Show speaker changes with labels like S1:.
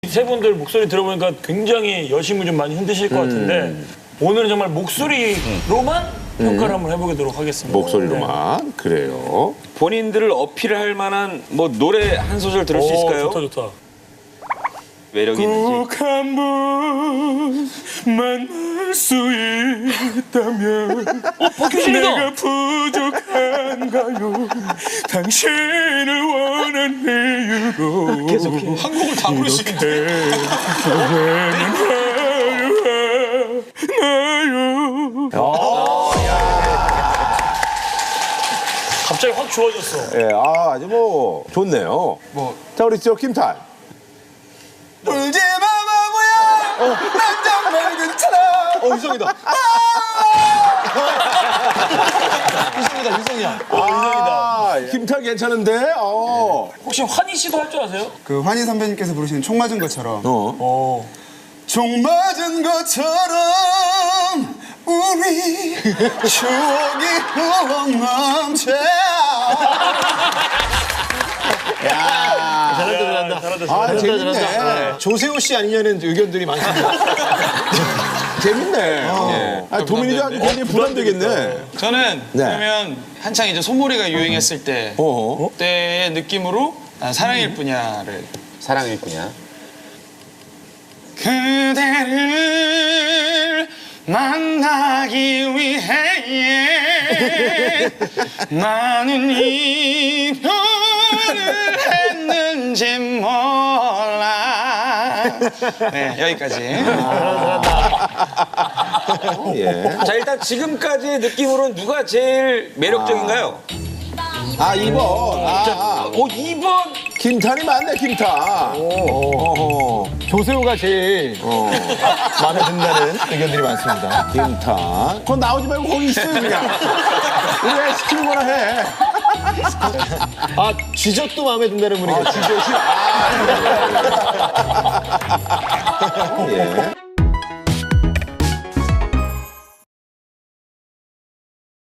S1: 세 분들 목소리 들어보니까 굉장히 여심을 좀 많이 흔드실 것 같은데 오늘은 정말 목소리로만 평가를 한번 해보도록 하겠습니다.
S2: 목소리로만. 그래요.
S3: 본인들을 어필할 만한 뭐 노래 한 소절 들을 수 있을까요?
S1: 좋다 좋다.
S3: 매력이 있는지.
S2: 꼭 한 번 만날 수 있다면 내가 부족한가요? 당신을 원한 이유로 계속해.
S1: 한국을 다 부르시는데. 갑자기 확 좋아졌어.
S2: 예, 아주 뭐 좋네요. 자, 우리 저 김탈.
S4: 울지 마 바보야 난 정말 괜찮아
S5: 유성이다. 유성이야.
S2: 아, 김탈 괜찮은데?
S1: 혹시 환희 씨도 할 줄 아세요?
S4: 그 환희 선배님께서 부르시는 총 맞은 것처럼 총 맞은 것처럼 우리 추억이 후억 넘쳐
S1: 잘한다.
S2: 아, 재밌네.
S5: 조세호 씨 아니냐는 의견들이 많습니다.
S2: 재밌네. 예. 아, 도민이도 아주 굉장히 부담되겠네.
S6: 저는
S2: 네.
S6: 그러면 한창 이제 소몰이가 유행했을 때 그때의 느낌으로 사랑일 뿐이야를.
S3: 사랑일 뿐이야.
S6: 그대를 만나기 위해 많은 이별을 했는지 몰라. 네, 여기까지.
S2: 예.
S3: 자, 일단 지금까지의 느낌으로는 누가 제일 매력적인가요?
S2: 아, 2번.
S3: 오, 2번.
S2: 김탈이 맞네, 김탈.
S5: 조세호가 제일 마음에 든다는 의견들이 많습니다.
S2: 김탈. 그건 나오지 말고 거기 있어요, 그냥. 우리 애 시키는 거나 해.
S5: 아, 쥐젖도 마음에 든다는 분이 계세요.
S2: 쥐젖이. 예.